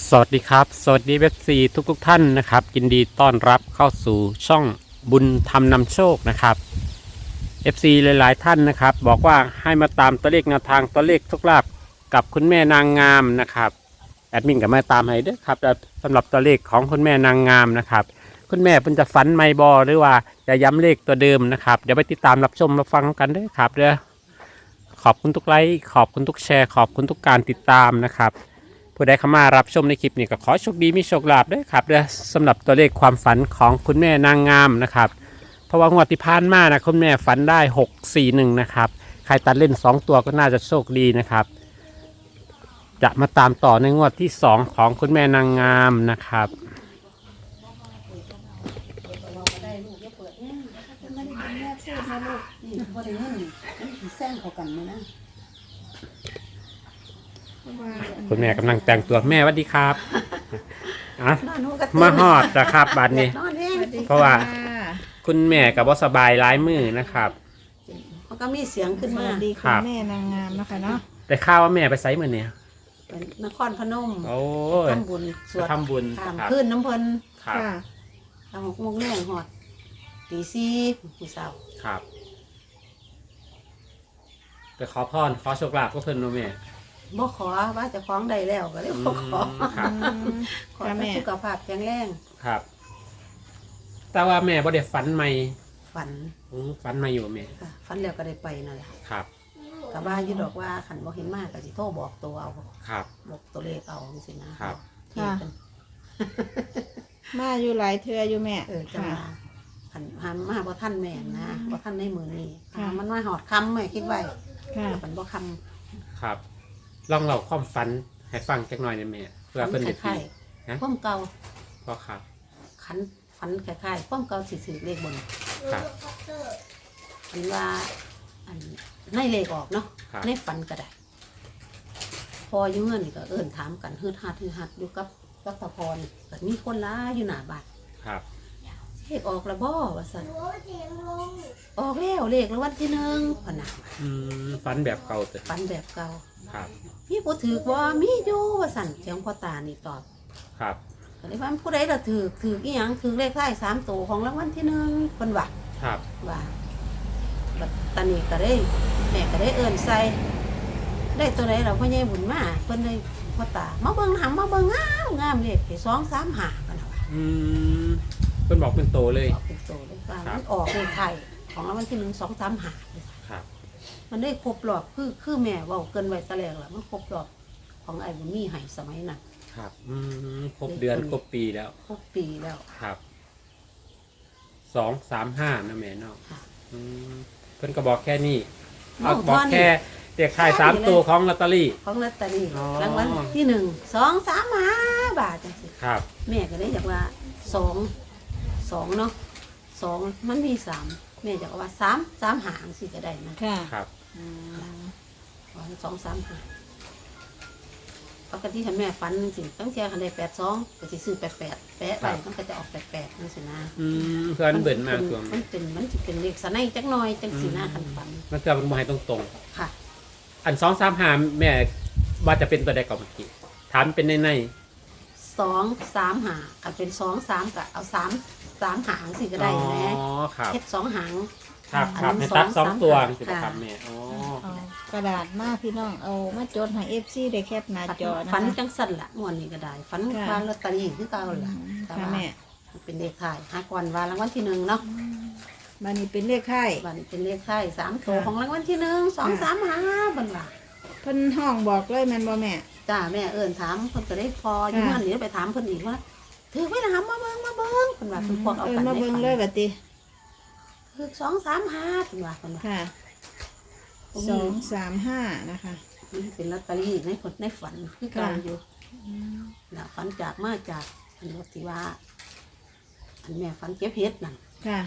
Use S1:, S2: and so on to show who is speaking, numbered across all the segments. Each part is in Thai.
S1: สวัสดีครับสวัสดีเว็บซีทุกท่านนะครับยินดีต้อนรับเข้าสู่ช่องบุญธรรมนำโชคนะครับ FC หลายๆท่านนะครับบอกว่าให้มาตามตัวเลขแนวทางตัวเลขทุกลาบกับคุณแม่นางงามนะครับแอดมินก็มาตามให้ด้วยครับสำหรับตัวเลขของคุณแม่นางงามนะครับคุณแม่เพิ่นจะฝันไม่บอหรือว่าจะย้ำเลขตัวเดิมนะครับเดี๋ยวไปติดตามรับชมรับฟังกันด้วยครับเด้อขอบคุณทุกไลค์ขอบคุณทุกแชร์ขอบคุณทุกการติดตามนะครับผู้ใดเข้ามารับชมในคลิปนี้ก็ขอโชคดีมีโชคลาภด้วยครับเด้อสำหรับตัวเลขความฝันของคุณแม่นางงามนะครับเพราะว่างวดที่ผ่านมานะคุณแม่ฝันได้641นะครับใครตัดเล่น2ตัวก็น่าจะโชคดีนะครับจะมาตามต่อในงวดที่2ของคุณแม่นางงามนะครับ
S2: ได้ลูกอย่าเปิดแน่ถ้าคุณไม่ได้ยินแม่พูดนะลูกนี่บ่ได้ยินมันสิแซงเขากันไหมนะ
S1: คุณแม่กำลังแต่งตัวแม่สวัสดีครับอ่ะ
S2: นอนหนูก็
S1: มาฮอดนะครับบัดนี้
S2: นอนเอง
S1: เพราะว่า คุณแม่กับว่าสบายร้ายมือนะครับ
S2: มันก็มีเสียงขึ้น
S3: ส
S2: มา
S3: วัสดี
S1: ครั
S3: คุณ
S1: บ
S3: แม่นางงามนะคะเนาะ
S1: แต่ข้าวว่าแม่ไปไซมือเนี่ย
S2: เป็นนครพนม
S1: โอ้ย
S2: ทำบุญสวด
S1: ทำบุญ
S2: ถาม
S1: ครับ
S2: ขึ้นน้ำเพลิน
S1: ครับ
S3: ค่ะ
S2: ทำ6 โมงแรงหอดตี4มื้อเช้า
S1: ครับไปขอพรขอโชคลาภก็เพิ่นเนาะแม่
S2: บ่ขอว่าจะคล้องได้แล้วก็เลยบ่ขอ
S1: ครับ
S2: ขอให้สุขภาพแข็งแรง
S1: ครับ แต่ว่าแม่บ่ได้ฝันใหม่
S2: ฝัน
S1: ฝันใหม่อยู่แม่
S2: ค่ะฝันแล้วก็ได้ไปนั่นแหละ
S1: ครับ
S2: ก็ว่าอยู่ดอกว่าขันบ่เห็นมากก็สิโทรบอกตัวเอา
S1: ครับ
S2: บอกตัวเลขเอาจังซี่นะครับ ที่เป็น
S3: มาอยู่หลายเทืออยู่แม่
S2: จัง
S3: ค่ะ
S2: ว่าขันหันมาบ่ท่านแม่นนะบ่ท่านในมือนี้
S3: ค่ะ
S2: มันมาหอดคำแม่คิดไว้
S3: ค่ะ
S2: มันบ่ค
S1: ครับลองเล่าความฝันให้ฟังจักหน่อยได้แม่เพื่อ
S2: ำ
S1: เพิ่น
S2: ค
S1: ได้ตี
S2: ล้าย
S1: นะ
S2: ๆพ่อมเก่า
S1: ก็ครับ
S2: ขันฝันคล้ายๆพ่อมเก่าสิถือเลขบน
S1: ครับ
S2: อันว่าอันในเลขออกเนาะ
S1: ครับ
S2: ในฝันก็ได้พออยู่เงินนี่ก็เอิ้นถามกันฮืดฮัดอยู่กับตะพรก็มีคนหลายอยู่หน้าบ้าน
S1: ครับ
S2: เลขออกแล้วบ่ว่าซั่นออกแล้วเลขรางวัลที่1พะนะ
S1: ฝันแบบเก่าแต่
S2: ฝันแบบเก่า
S1: ครับ
S2: มีผู้ถือบ่มีอยู่ว่าสั่นเสียงพ่อตานี่ตอบ
S1: ครับ
S2: ก็เลยว่าผู้ใดล่ะถืออีหยังถือเลขท้าย3ตัวของรางวัลที่1เพิ่นว่า
S1: ครับ
S2: ว่าบัดตอนนี้ก็ได้แม่ก็ได้เอิ้นใส่ได้ตัวใดล่ะพ่อใหญ่บุญมาเพิ่นได้พ่อตามาเบิ่งหำมาเบิ่งงามเลขที่2 3 5กันน่ะว่า
S1: เพิ่นบอกเป็นโตเลย
S2: ออกเป็นโตเลยว่า
S1: ครับ
S2: มันออกเลขไทยของรางวัลที่1 2 3 5
S1: ครับ
S2: มันได้ครบรอบคือแม่เว้าเกินไว้ตะแลงล่ะมันครบรอบของไอ้บุญมีให้สมัยนั้น
S1: ครับครบเดือนครบปีแล้ว
S2: ครบปีแล้ว
S1: ครับ235นะแม่เนาะ
S2: ค่ะ
S1: เพิ่นก็บอกแค่นี้
S2: บอก
S1: บอก
S2: เท่านี้
S1: แค่เด็กขาย3ตัวของลอตเตอรี่
S2: ของลอตเตอรี่
S1: อ๋อ
S2: รางวัลที่1 2 3 5 บาทจังสิ
S1: ครับ
S2: แม่ก็ได้อยากว่า2เนาะ2มันมี3แม่อยากว่า3 3หางสิก็ได้นะ
S3: ค่ะ
S1: ครับ
S3: อืม
S2: 2 3 5ปกติถ้าแม่ฝันสิตั้งแต่คันได้82ก็สิซื้อ88แปะไว้มันก็จะออก88จังซี่นะ
S1: เพื่อนเบิ่นมากตัว
S2: มันสิเป็นเลขสะในจักหน่อยจังสินะคันฝัน
S1: มันเพื่อมันบ่ให้ตรง
S2: ค่ะ
S1: ๆอัน235แม่ว่าจะเป็นตัวใดก่อนเมื่อกี้ถามเป็นใน
S2: 2 3หางกันเป็น2 3ก็เอา3หางสิก็ได้
S1: อ๋อ
S2: นะ
S1: ครับ
S2: เฮ็ด2หาง
S1: ครับ
S2: อัน
S1: ครับ
S2: นั้น
S1: ให้ตัด
S2: สอง
S1: 2ตัว
S2: สาม
S1: สิ
S2: ค่ะ
S1: ครับแม่อ๋อ
S3: เอากระดาษมาพี่น้องเอามาจดให้เอฟซีได้แคปหน้าจอนะ
S2: ฝัน
S3: คะ
S2: จังสั่นละงวดนี้ก็ได้ฝัน
S3: ค่ะ
S2: ว่าลอตเตอรี่คือเก่าล่ะแต่
S3: ค่ะ
S2: ว่า
S3: แม่
S2: มันเป็นเลขท้ายหาก่อนว่ารางวัลที่1เนาะ
S3: บันนี้เป็นเลขไข่
S2: บัดนี้เป็นเลขท้าย3ตัว
S3: ค่ะ
S2: ของรางวัลที่1 2 3 5บัดว่า
S3: เพิ่นห้องบอกเลยแม่นบ่แม่
S2: จ้าแม่เอิ้นถามเพิ่นก็ได้พออยู่
S3: ค่ะ
S2: นั่นนี่ไปถามเพิ่นอีกว่าถือไว้นะมาเบิ่งเพิ่นว่าเพิ่นพวกเอากัน
S3: มา
S2: ใน
S3: เบิ่ง
S2: ฝัน
S3: เลยบัดติ
S2: ถือ2 3 5เพิ่นว่าเพิ่นว่า
S3: ค่ะ
S2: ผม
S3: 235นะคะ
S2: มันเป็นลอตเตอรี่ในฝันคือเก่าอยู่น่ะฝันมาจากอันว่าที่ว่าอันแม่ฝันเก็บเห็ดนั่น
S3: ค่ะ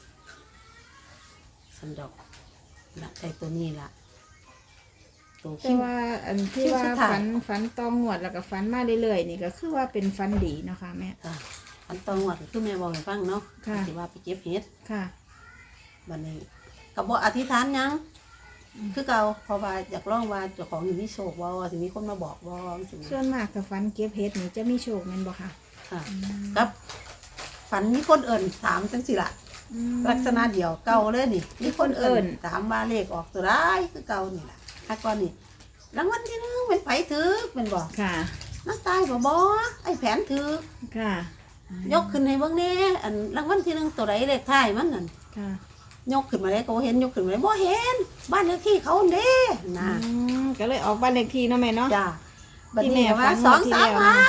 S2: สันดอกน่ะไอ้ตัวนี้ล่ะตัว
S3: แต่
S2: คิ้ว
S3: ว่าอันที่
S2: คิ้ว
S3: ว่า
S2: สุดท้าย
S3: ฝันตองงวดแล้วก็ฝันมาเรื่อยๆนี่ก็คือว่าเป็นฝันดีเนาะค่ะแม่
S2: จ้ะฝันตองวดคือแม่บอกให้ฟังเนาะ
S3: ค่ะ
S2: ที่ว่าไปเก็บเห็ด
S3: ค่ะ
S2: บัดนี้ก็บ่อธิษฐานหยังคือเก่าเพราะว่าอยากลองว่าเจ้าของมีโชคบ่สิมีคนมาบอกบ่สิ
S3: ส่วนมากกับฝันเก็บเห็ดนี่จะมีโชคแม่นบ่ค่ะ
S2: ค่ะกับฝันมีคนเอิ่นถามจังสิล่ะ ลักษณะเดียวเก่าเลยนี่มีคนเอิ่นถามว่าเลขออกตัวได้คือเก่านี่ล่ะถ้าก่อนนี่รางวัลที่1เป็นไผถือเป็นบ่
S3: ค่ะ
S2: นักตายบ่ไอ้แผนถือ
S3: ค่ะ
S2: ยกขึ้นให้เบิ่งแน่อันรางวัลที่1ตัวใดเลขท้ายมันนั่น
S3: ค่ะ
S2: ยกขึ้นมาเลยก็บ่เห็นยกขึ้นมาเลยบ่เห็นบ้านเลขที่เขาเด้นะ
S3: ก็เลยออกบ้านเลขที่เนาะแม่เนาะ
S2: จ้าบัด
S3: ที่แม่
S2: นี้
S3: ฝั
S2: ว่าน
S3: งวดที่แล้ว
S2: 2 3
S3: นะ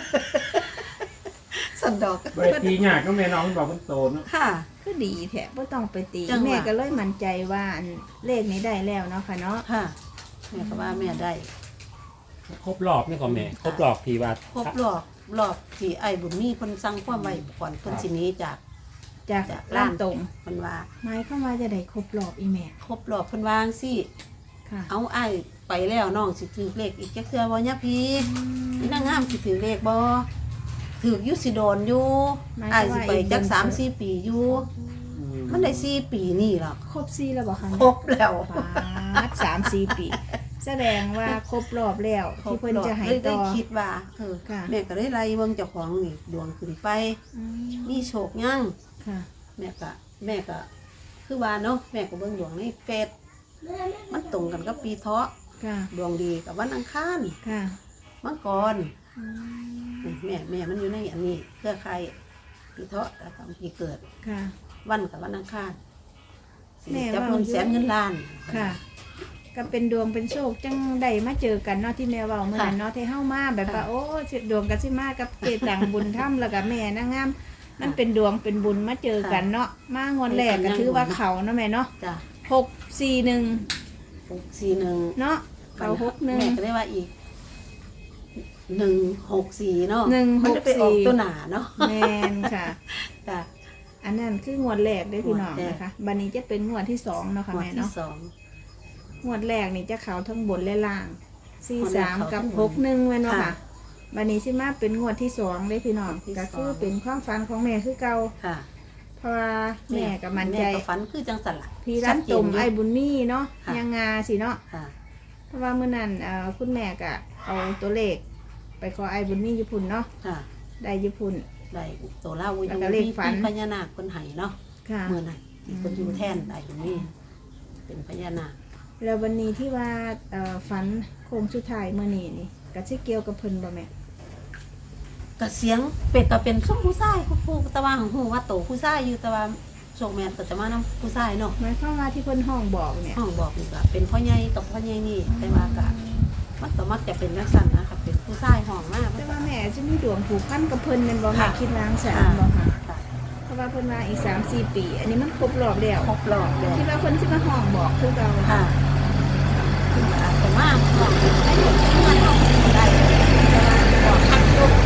S2: 5สันดอก
S1: เวทีหยากก็แม่น้องบอกคนโตเนาะ
S2: ค่ะ
S3: คือดีแท้บ่ต้องไปตี
S2: จังหวะ
S3: แม่ก็เลยมั่นใจว่าอันเลขนี้ได้แล้วเนาะค่ะเนาะ
S2: ค่ะแม่ก็ว่าแม่ได้
S1: ครบรอบนี่ก็แม่ครบรอบที่ว่า
S2: ครบรอบที่ไอ้บุญมีเพิ่นสั่งความไว้ก่อนเพิ่นสิหนี้จาก
S3: จาก
S2: จาก
S3: ร้า
S2: ร้าน น
S3: ตรง
S2: เพิ่นว่า
S3: หมายความว่าจะได้ครบรอบอีแม่
S2: ครบรอบเพิ่นวาจั่งสิ
S3: ค่ะ
S2: เอาไอ้ไปแล้วน้องสิถือเลขอีกจักเทื่อบ่ยะพี่นี่นางงามสิถือเลขบ่ถืออยู่สิโดนอยู่ไอ้สิไปจัก 3-4 ปีอยู่มันได้4 ปีนี่ล่ะ
S3: ครบ4แล้วบ่คะ
S2: ครบแล้ว
S3: ปาด3-4 ปี แสดงว่าครบรอบแล้วที่เพิ่นจะให้
S2: เลย
S3: ต่
S2: ได้
S3: อ
S2: คิดว่า
S3: ค่ะ
S2: แม่ก็ได้ไล่เบิ่งเจ้าของนี่ดวงขึ้นไป
S3: อืม
S2: มีโชคยัง
S3: ค่ะ
S2: แม่ก็คือว่าเนาะแม่ก็เบิ่งดวงในเฟซมันตรงกันกับปีเถาะ
S3: ค่ะ
S2: ดวงดีกับวันอังคาร
S3: ค่ะ
S2: มังกร
S3: อืม
S2: แม่มันอยู่ในอันนี้เครือข่ายปีเถาะแล้วก็ปีเกิด
S3: ค่ะ
S2: วันกับวันอังคาร
S3: แม่
S2: จับ
S3: ว่า
S2: เงินแสนเงินล้าน
S3: ค่ะ ก็เป็นดวงเป็นโชคจังได้มาเจอกันเนาะที่แม่เว้าเมื่อนั้นเนาะที่เฮามาแบบว่า
S2: ค่ะ
S3: โอ้ดวงก็สิมากับเจตังบุญถ้ำแล้วก็แม่นางงามมันเป็นดวงเป็นบุญมาเจอกันเนาะมางวดแรกก็ถือว่าเขาเนาะแม่เนาะ
S2: จ้ะ
S3: 641
S2: 641
S3: เนาะเขา
S2: แม่ก็ได้ว่าอีก164เนาะ
S3: 164
S2: มันจะไปออกตัวหนาเนาะ
S3: 61แม่นค่ะ
S2: จ้ะ
S3: อันนั้นคืองวดแรกเด้อพี่น้อง
S2: งวดแรก
S3: นะคะบัดนี้จะเป็นงวดที่2เนาะค่ะ
S2: งวด
S3: แม่
S2: ที่
S3: เนาะ
S2: สอง
S3: งวดแรกนี่จะเขาทั้งบนและล่าง
S2: งวดแรก
S3: 43
S2: เขา
S3: กับ
S2: ทั้งบน
S3: 61แม่นบ่
S2: ค่ะ
S3: ค่ะบัดนี้สิมาเป็นงวดที่2เด้อพี่น้อง
S2: งวดที่
S3: ก็คือ
S2: สอง
S3: เป็นความฝันของแม่คือเก่า
S2: ค่ะ
S3: เพราะว่าแม่ก็มั่นใจ
S2: แม่ก็ฝันคือจังสันล่ะ
S3: พี่ร้านตุ่มไอ้บุญมีเนาะ
S2: ค่ะ
S3: ยังงาสิเนาะ
S2: ค่ะ
S3: เพราะว่าเมื่อนั้นคุณแม่ก็เอาตัวเลข ไปขอไอ้บุญมีญี่ปุ่นเนาะ
S2: ค่ะ
S3: ได้ญี่ปุ่น
S2: ได้ตัวเล่าอยู่
S3: แล้วก็เลขฝัน
S2: มีพญานาคคนไห้เนาะ
S3: ค่ะ
S2: เมื่อนั้นที่คนอยู่แท่นได้ตรงนี้เป็นพญานาค
S3: แล้ววันนี้ที่ว่าฝันโคงสุดท้ายเมื่อนี้นี่ก็สิเกี่ยวกับเพิ่นบ่แม่
S2: ก็เสียงเป็ดก็เป็นส้มผู้ชายผู้ตะวันของหูว่าโตผู้ชายอยู่ตะวันโชคแมนก็จะมานำผู้ชายเนาะ
S3: หมายความว่าที่เพิ่นห้องบอกเนี่ย
S2: ห้องบอกนี่ก็เป็นพ่อใหญ่กับพ่อใหญ่นี่แต่ว่าก็มันก็มักจะเป็นลักษณะนะคะเป็นผู้ชายห้องมาก
S3: แต่ว่าแม่จะมีดวงผูกพันกับเพิ่นแม่นบ่แม่
S2: ค่ะ
S3: คิดวางแสนบ่ค่ะเพราะว่าเพิ่นมาอีก 3-4 ปี อันนี้มันครบรอบแล้ว
S2: ครบรอบเลย
S3: คิดว่าเพิ่นสิมาห้องบอกคือเก่า
S2: ค่ะแต่ว่าห้องได้หมดที่เงินห้องได้แต่ว่าบอกคัดลูก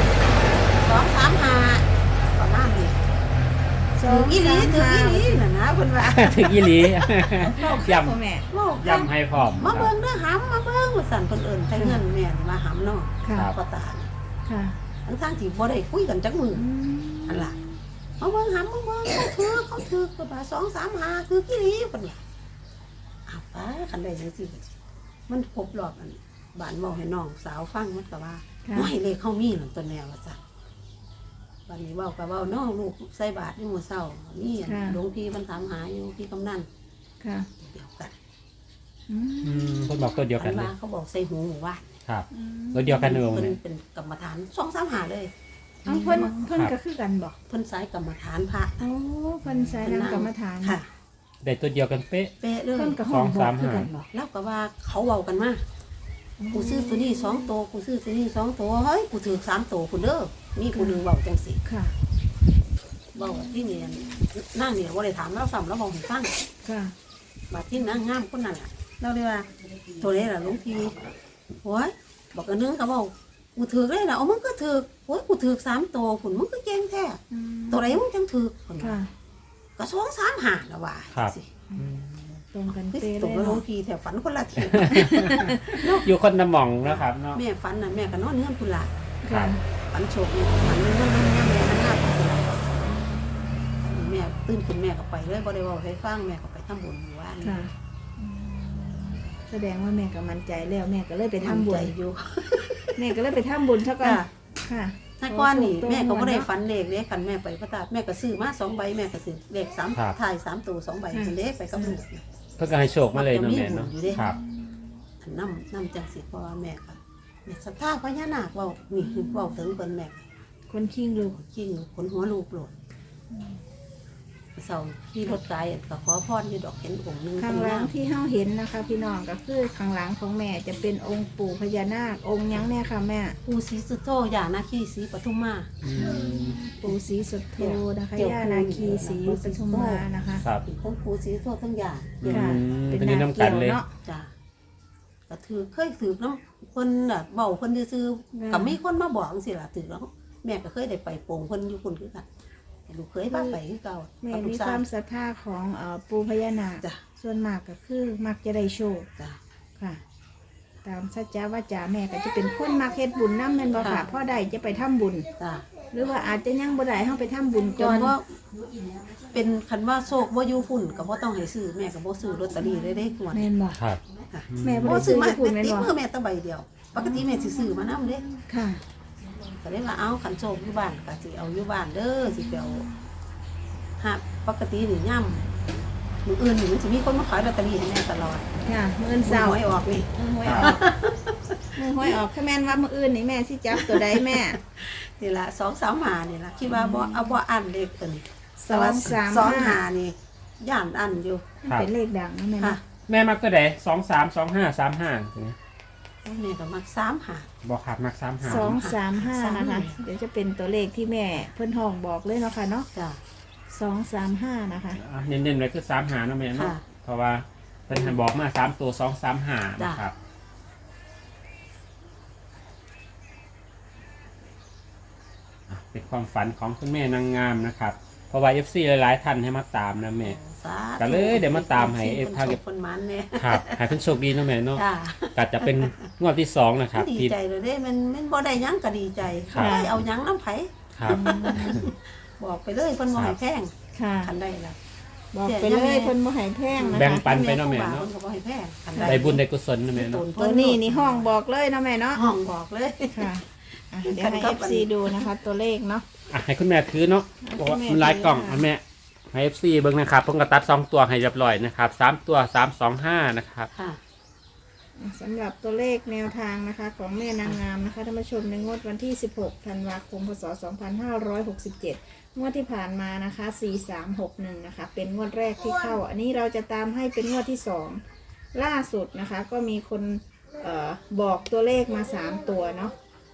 S2: 2-3-5ประมาณนี้ ถืออีหลีถืออีหลีน่ะนะเพิ่นว่า
S1: ถึงอีหลี ย้
S3: พ่อแม่
S2: เว้า
S1: ำย้ำให้พร้อม
S2: มาเบิ่งเด้อหำมาเบิ่งว่าสั่นเพิ่นเอิ้นใช้เงินแม่นี่มาหำเนาะ
S3: ค่ะ
S2: พ่อตานี่
S3: ค่ะ
S2: ทั้งๆที่บ่ได้คุยกันจักมื้อ
S3: อืม
S2: อันล่ะมาเบิ่งหำมาเบิ่งเขาถือก็ว่า2-3-5คืออีหลีเพิ่นว่าอ้าวป้าคันได้จังซี่มันครบรอบอันบ้านเว้าให้น้องสาวฟังมันก็ว่า
S3: ค่ะ
S2: โอ้ยเลขเขามีนั่นตัวแนวว่าซั่นบัดนี้เว้าก็เว้าน้องลูกใส่บาตรอยู่มื้อเช้ามีอันหลวงพี่เพิ่นถามหาอยู่พี่กำนัน
S3: ค่ะ
S2: เดียวกัน
S3: อืม
S1: เพิ่นบอกตัวเดียวกัน
S2: อัน
S1: เลย
S2: ว่าเขาบอกใส่หูหมู่ว่า
S1: ครับตัวเดียวกันเลย
S2: เพิ่น
S1: เนี่ย
S2: เป็นกรรมฐาน2-3-5เลย
S3: เอาเพิ่นก็คือกันบ่
S2: เพิ่นสายกรรมฐานพระ
S3: โอ้เพิ่นใส่นำกรรมฐาน
S2: ค่ะ
S1: ได้ตัวเดียวกันเป๊ะ
S2: เป๊ะเลย
S3: เพิ่นก็ห้องบอกคือกันบ่
S2: แล้วก็ว่าเขาเว้ากันมากูซื้อตัวนี้2ตัวกูซื้อตัวนี้2ตัวเฮ้ยกูถือ3ตัวคุณเด้อมีผู้หนึงเว้าจังซี่
S3: ค่ะ
S2: เว้าที่นี่นั่งนี่บ่ได้ถามเราซ้ำแล้วบอกให้ฟัง
S3: ค่ะ
S2: บาดที่นางงามคนนั้นล่ะเราเลยว่าตัวนี้ล่ะหลวงพี่โอ้ยบอกกันนึงก็เว้ากูถือเลยล่ะเอามึงก็ถือโอ้ยกูถือ3ตัวคุณมึงก็เก่งแท้
S3: อืม
S2: ตัวไหนมึงจังถือคน
S3: ค่ะ
S2: ก็2-3-5แล้วว่าสิ
S3: ตรงกัน
S2: คือ
S3: เป๊ะ
S2: ตก
S3: เลย
S2: แล้วหลว
S3: เนาะ
S2: งพี่แต่ฝันคนละที
S1: อยู่คนละหม่องนะครับเนาะ
S2: แม่ฝันน่ะแม่ก็นอนเงื่อนคุณละ
S3: ค่ะ
S2: ฝันโชคเนี่ยฝันเงื่อนแม่นั่งหน้าคุณละแม่ตื่นขึ้นแม่ก็ไปเลยบ่ได้เว่าให้ฟังแม่ก็ไปทำบุญอยู่ว่า
S3: ค่ะแสดงว่าแม่ก็มั่นใจแล้วแม่ก็เลยไปทำบุ
S2: ใจ
S3: ญ
S2: อยู่
S3: แม่ก็เลยไปทำบุญซะก่อน
S2: จ้ะ
S3: ค่ะ
S2: ถ้าก้อนนี่
S3: โอ้โห
S2: แม่ก็บ่ได้
S3: เนาะ
S2: ฝันเลขเด้คันแม่ไปพระธาตุแม่ก็ซื้อมา2ใบแม่ก็ซื้อเลข3ถ่าย3ตัว2ใบเพิ่นเด้ไปกับลูก
S1: เพิ่นก็ให้โชคมาเลยเนาะแม่เนาะ
S2: มันจะมีบุญอยู่เด้
S1: ครับ
S2: อันนำจังสิเพราะว่าแม่ก็แม่ศรัทธาพญานาคเว้านี่คือเว้าถึงเพิ่นแม่
S3: คนคิงลูก
S2: ขี้งขนหัวลูกโลดเสาขี่รถไกลก็ขอพรอยู่ดอกเห็นองค์หนึง
S3: ข้างหลังที่เฮาเห็นนะคะ พี่น้องก็คือข้างหลังของแม่จะเป็นองค์ปู่พญานาคองค์หยังเนี่ยค่ะแม่
S2: ปู่ศรีสุโธย่านาคีศรีปทุมมา
S3: ปู่ศรีสุโธนะคะย่านาคีศรีปทุมมานะคะ
S1: ครับ
S2: ทั้งปู่ศรีสุโธทั้งย่า
S3: ค่ะ
S1: เป็นนี่น้ำกันเลย
S3: เนาะ
S2: จ้ะก็ถือเคยถือน้ำเพิ่นน่ะเบาเพิ่นซื้อๆก็มีคนมาบอกจังซี่ล่ะถือแล้วแม่ก็เคยได้ไปโป่งเพิ่นอยู่คนคือกันแต่ลูกเคยพาไปคือเก่า
S3: แม่
S2: กับลู
S3: มี
S2: ก
S3: ค
S2: สาว
S3: าว มศรัทธาของปู่พญานาค
S2: จ้ะ
S3: ส่วนมากก็คือมักจะได้โชค
S2: จ้ะ
S3: ค่ะ ตามสัจจาวาจาแม่ก็จะเป็นคนมักเฮ็ดบุญนำแม่นบ่ค่ะ
S2: ค่ะ
S3: พ่อใดจะไปทำบุญ
S2: จ้ะ
S3: หรือว่าอาจจะยังบ่ได้เฮาไปทำบุญ
S2: จ
S3: ก่อน
S2: นว่าเป็นคันว่าโชคบ่อยู่ฝุ่นก็บ่ต้องให้ซื้อแม่ก็บ่ซื้อลอตเตอรี่เลยเด้งวด
S3: แม่นบ่
S1: ครับ
S2: ค่ะ
S3: แม่บ่
S2: บ่
S3: ได้
S2: ซื้
S3: ซื้
S2: อ
S3: อ
S2: มา
S3: ญี่ปุ่นแม่น
S2: ติด
S3: บ่
S2: มือแม่แต่ใบเดียวปกติแม่สิซื้อมานำเด้
S3: ค่ะ
S2: ก็เลยว่าเอาขันโชคอยู่บ้านก็สิเอาอยู่บ้านเด้อสิไปเอาฮะปกตินี่ย่ำมื้ออื่นนี่มันสิมีคนมาขายลอตเตอรี่ให้แม่ตลอด
S3: ค่ะมื้ออื่นเช้า
S2: หวยออกนี่
S3: มือหวยออกมือหวยออกถ้าแม่นว่ามื้ออื่นนี่แม่สิจับตัวใดแม่
S2: นี่ล่ะ2-3หานี่ล่ะคิดว่าบ่เอาบ่อันเลขตัวนี้
S3: สองสาม
S2: สอง
S3: ห้า
S2: หานี่ย่านอันอยู่
S1: ครับ
S3: เป็นเลขดังนะแม่
S2: ค่ะ
S3: นะ
S1: แม่มักตัวใด232535
S2: แม่ก็มัก3หา
S1: บ่ครับมัก35
S3: 235นะคะ เดี๋ยวจะเป็นตัวเลขที่แม่เพิ่นห้องบอกเลยเนาะค่ะเนาะ
S2: จ้ะ
S3: 235นะคะ
S1: อ่ะเน้นๆไว้คือ35เนาะแม่เนาะ
S2: ค่ะ
S1: เพราะว่าเพิ่นให้บอกมา3ตัว235นะครับอ่ะเป็นความฝันของคุณแม่นางงามนะครับ เพราะว่า FC หลายๆท่านให้มาตามนะแม่
S2: สาธุ
S1: ก็เลยเดี๋ยวมาตามให้
S2: คน
S1: ทาง
S2: โชคคนหมันแน่
S1: ครับให้เพิ่นโชคดีเนาะแม่เนาะ
S2: จ้ะ
S1: ก็จะเป็นงวดที่2นะครับ
S2: ดี
S1: ที่
S2: ใจเลยเด้มันบ่ได้หยังก็ดีใจ
S1: ครับ
S2: บ่ได้เอาหยังน้ำไผ
S1: ครับ
S2: บอกไปเลยเพิ่นบ่ให้แพง
S3: ค่ะ
S2: คันได้ล่ะ
S3: บอกไปเลยเพิ่นบ่ให้แพงนะ
S1: แบ่ง
S3: คะ
S1: ปันไปเนาะแม่เนาะ
S2: เพิ่นก็บ่ให้แพงคัน
S1: ได้บุญได้กุศลนะแม่เนาะ
S3: ตัวนี้นี่ห้องบอกเลยเนาะแม่เนาะ
S2: ห้องบอกเลย
S3: ค่ะอ่ะเดี๋ยวให้ FC ดูนะคะ ตัวเลขเนาะ
S1: อ่ะให้คุณแม่ถือเนาะ
S3: ให้
S1: บอก
S3: คุณ
S1: ว่า
S3: แม่
S1: มันหลายกล่อง
S3: ถือ
S1: อันแม่ให้ FC เบิ่งนะครับเพิ่นก็ตัด2ตัวให้เรียบร้อยนะครับ3ตัว325นะครับ
S2: ค่ะ
S3: สำหรับตัวเลขแนวทางนะคะของแม่นางงามนะคะท่านผู้ชมในงวดวันที่ 16 ธันวาคม พศ 2567 งวดที่ผ่านมานะคะ 4361 นะคะ เป็นงวดแรกที่เข้า อันนี้เราจะตามให้เป็นงวดที่ 2 ล่าสุดนะคะ ก็มีคนบอกตัวเลขมา 3 ตัวเนาะ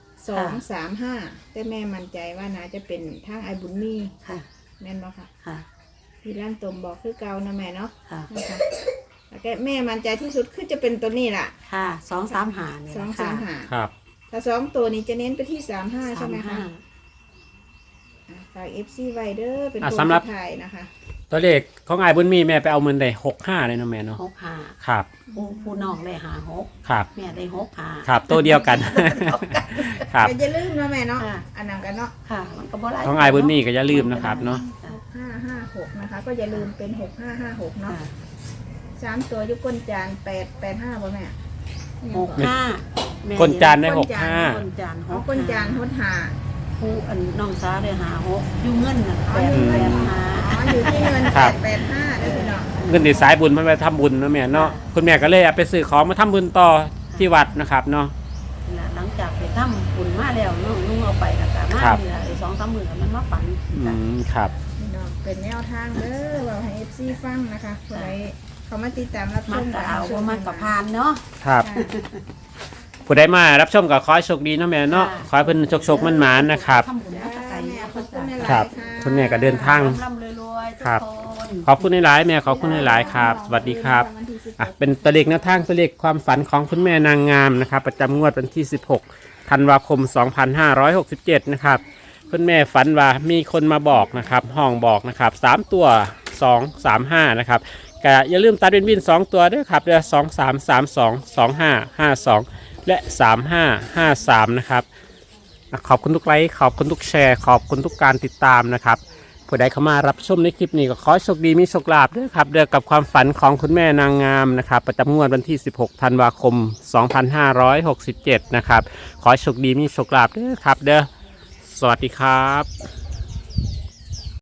S3: 235 แต่แม่มั่นใจว่าน่าจะเป็นทางไอบุญมี
S2: ค่ะ
S3: แม่นบ่ค่ะ
S2: ค่ะ
S3: พี่ลั่นตมบอกคือเก่านะแม่เนาะ
S2: ค่ะ
S3: นะคะแล้วก็แม่มั่นใจที่สุดคือจะเป็นตัวนี้ล่ะ
S2: ค่ะ2-3หานี่
S3: 235
S1: ครับ
S3: ถ้า2ตัวนี้จะเน้นไปที่35ใช่ไหมคะฝาก FC ไวเดอร์เป็น
S1: อ่ะ
S3: ตัว
S1: สำหรับ
S3: สุดท้ายนะคะ
S1: ตัวเลขของอายบุญมีแม่ไปเอาเงินได้65เลยเนาะแม่เนาะ
S2: 6หา
S1: ครับ
S2: ผู้น้องได้หา6
S1: ครับ
S2: แม่ได้6หา
S1: ครับตัวเดียวกัน ครับ
S3: แต่อย่าลืมนะแม่เนาะ
S2: ค่ะ
S3: อันนั้นกันเนาะ
S2: ค่ะ มันก็บ่หลาย
S1: ของอายบุญมีก็อย่าลืมนะครับเนาะ
S3: 6556นะคะ ก็อย่าลืมเป็น6556เนาะ
S2: ค่ะ
S3: 3ตัวอยุก้นจาน885บ่แม่
S2: 65แม่
S1: คนจานได้
S2: คนจาน
S3: เอาก้นจานหดหา
S2: ผู้อันน้องสาวได้หา6อยู่เงินน่ะ
S3: อ๋ออยู่เงิน
S2: 8
S3: อ๋ออยู่ที่เงิน
S1: ครับ
S3: 885ได้พี่น้อง
S1: เงินที่สายบุญมันไปทำบุญเนาะแม่เนาะคุณแม่ก็เลยเอาไปซื้อของมาทำบุญต่อที่วัดนะครับเนาะ
S2: หลังจากไปทำบุญมาแล้วนุ่งเอาไปแล้วก็มา
S1: ครับ
S2: นี่ล่ะไอ้2-3มื้อมันมาฝัน
S1: ครับ
S3: พี่น้องเป็นแนวทางเด้อเราให้ FC ฟังนะคะผู้ใดเขามาติดตามรับช
S2: มัน
S3: ม
S2: ก็เอาบ่มันก็ผ่านเนาะ
S1: ครับ
S3: ค่ะ
S1: ผู้ใดมารับชมก็ขอให้โชคดีเนาะแม่เนาะ ขอให้เพิ่นโชคๆมั่นหมานนะครับ
S2: ทำบุญมาแต่ไกลเนี่ย
S3: ขอบคุณหลายๆ
S1: ครับ
S3: ค่ะ
S1: คุณแม่ก็เดินทาง
S2: ร่ำรวยๆทุก
S1: ครับ
S2: คน
S1: ขอบคุณหลายๆแม่ขอบคุณหลายๆครับ สวัสดีครับอ่ะเป็นตัวเลขแนวทางตัวเลขความฝันของคุณแม่นางงามนะครับ ประจำงวดวันที่ 16 ธันวาคม 2567 นะครับคุณแม่ฝันว่ามีคนมาบอกนะครับห้องบอกนะครับ3ตัว235นะครับก็อย่าลืมตัดเป็นวิน2ตัวด้วยครับเดือ2332 2552 และ 3553 นะครับขอบคุณทุกไลค์ขอบคุณทุกแชร์ขอบคุณทุกการติดตามนะครับผู้ใดเข้ามารับชมในคลิปนี้ก็ขอให้โชคดีมีโชคลาภด้วยครับเด้อกับความฝันของคุณแม่นางงามนะครับประจำงวดวันที่ 16 ธันวาคม 2567 นะครับขอให้โชคดีมีโชคลาภด้วยครับเด้อสวัสดีครับ